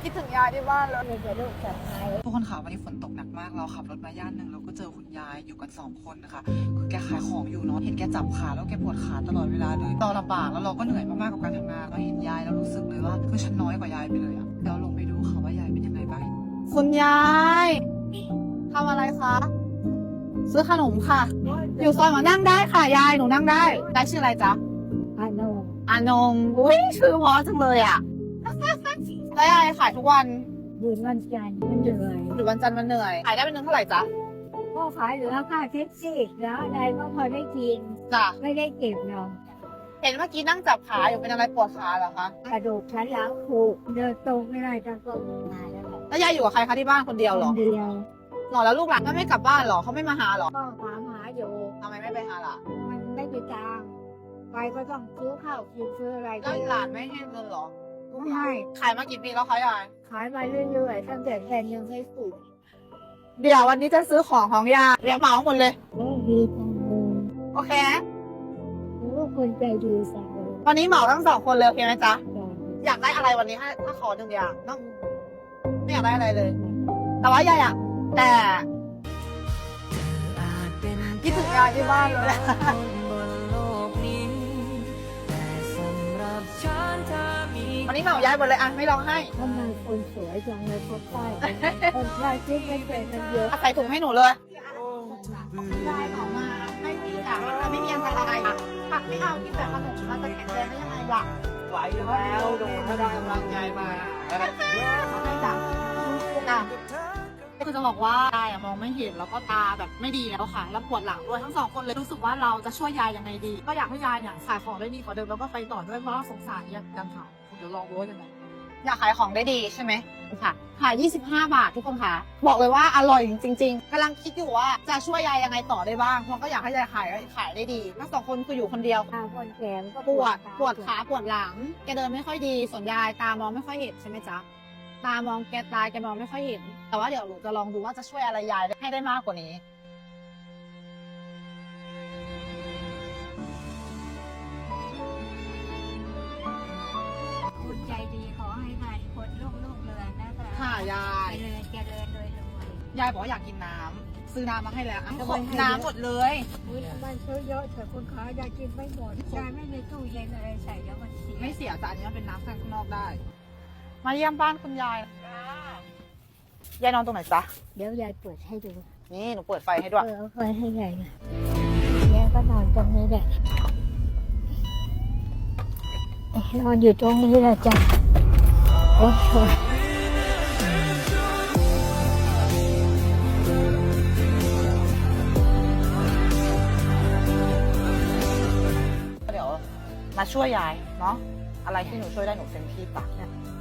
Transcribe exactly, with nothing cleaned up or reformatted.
คิดถึงยายที่บ้านเลยมีแต่ลูกสะใภ้ทุกคนค่ะวันนี้ฝนตกหนักมากเราขับรถมาย่านหนึ่งเราก็เจอคุณยายอยู่กันสองคนนะคะคือแกขายของอยู่เนาะเห็นแกจับขาแล้วแกปวดขาตลอดเวลาเลยเราลำบากแล้วเราก็เหนื่อยมากๆกับการทำงานเราเห็นยายแล้วรู้สึกเลยว่าคือฉันน้อยกว่ายายไปเลยอะเดี๋ยวลงไปดูค่ะว่ายายเป็นยังไงบ้างคุณยายทำอะไรคะซื้อขนมค่ะอยู่ซอยมานั่งได้ค่ะยายหนูนั่งได้ยายชื่ออะไรจ๊ะอานงอานงอุ้ยชื่อเพราะจังเลยอะแล้วยายขายทุกวันยืนวันจันทร์มันเหนื่อยหรือวันจันทร์วันเหนื่อยขายได้เป็นเงินเท่าไหร่จ๊ะพ่อขายเหลือค่าแท็กซี่แล้วอะไรก็พอได้กินจ้ะไม่ได้เก็บเนาะเห็นเมื่อกี้นั่งจับขาอยู่เป็นอะไรปวดขาเหรอคะกระดูกชั้นหลังผุเดินตรงไม่ได้ตั้งก็มาแล้วแหละแล้วยายอยู่กับใครคะที่บ้านคนเดียวเหรอคนเดียวหรอแล้วลูกหลานก็ไม่กลับบ้านเหรอเขาไม่มาหาเหรอก็ถามหาอยู่ทำไมไม่ไปหาล่ะมันไม่มีตังค์ไปก็ต้องซื้อข้าวกินซื้ออะไรแล้วหลานไม่ให้เงินเหรอไม่ให้ขายมากี่ปีแล้วคะยายขายมาเรื่อยๆตั้งแต่แผ่นยังไม่สุดเดี๋ยววันนี้จะซื้อของของยายเรียกเหมาหมดเลยโอ้ดีจังเลยโอเคลูกคนใจดีสังเลยวันนี้เหมาทั้งสองคนเลยโอเคไหมจ๊ะจ้ะอยากได้อะไรวันนี้ให้ถ้าขอหนึ่งอย่างเนอะไม่อยากได้อะไรเลย แต่ว่ายายอะแต่คิดถึงยายที่บ้านเลย วันนี้เหมายายหมดเลยอ่ะไม่ร้องไห้ทำไมคนสวยจังเลยคนใต้คนใต้คิดไม่เป็นมันเยอะใส่ถุงให้หนูเลยยายออกมาไม่มีอ่ะไม่มีอันตรายอ่ะผักไม่เอากินแบบขนมเราจะแข็งแรงได้ยังไงล่ะไหวอยู่แล้วโดนถ้าได้กำลังใจมาไม่จับอ่ะคือจะบอกว่ายายอะมองไม่เห็นแล้วก็ตาแบบไม่ดีแล้วค่ะแล้วปวดหลังด้วยทั้งสองคนเลยรู้สึกว่าเราจะช่วยยายยังไงดี ก็อยากให้ยายเนี่ยขายของได้ดีกว่าเดิมแล้วก็ไปต่อด้วยเพราะว่าสงสารยายกันค่ะเดี๋ยวลองดูว่ายังไงอยากขายของได้ดีใช่ไหมค่ะขายยี่สิบห้าบาททุกคนค่ะบอกเลยว่าอร่อยจริงๆกำลังคิดอยู่ว่าจะช่วยยายยังไงต่อได้บ้างเพราะก็อยากให้ยายขายขายได้ดีทั้งสองคนคืออยู่คนเดียวตาคนแก่ก็ปวดปวดขาปวดหลังแกเดินไม่ค่อยดีส่วนยายตามองไม่ค่อยเห็นใช่ไหมจ๊ะตามองแกตายแกมองไม่ค่อยเห็นแต่ว่าเดี๋ยวหนูจะลองดูว่าจะช่วยอะไรยายให้ได้มากกว่านี้คุณใจดีขอให้ทานคนลูกลูกเรือนนะคะค่ะยายเจริญเจริญโดยรวยยายบอกว่าอยากกินน้ำซื้อน้ำมาให้แล้วอ่ะทำขไมอให้น้ำหมดเลยอุ๊ยมันซื้อเยอะแต่คุณขายายกินไม่หมดยายไม่มีตู้เย็นอะไรใส่แล้วมันเสียไม่เสียแต่อันนี้มันเป็นน้ำข้างนอกได้ มาเยี่ยมบ้านคุณยายยายนอนตรงไหนจ๊ะเดี๋ยวยายเปิดให้ดูนี่หนูเปิดไฟให้ด้วยเออเอาไฟให้ยายนะยายก็นอนตรงนี้แหละนอนอยู่ตรงนี้แหละจ้ะโอ้โหเดี๋ยวมาช่วยยายเนาะอะไรที่หนูช่วยได้หนูเต็มที่ปะ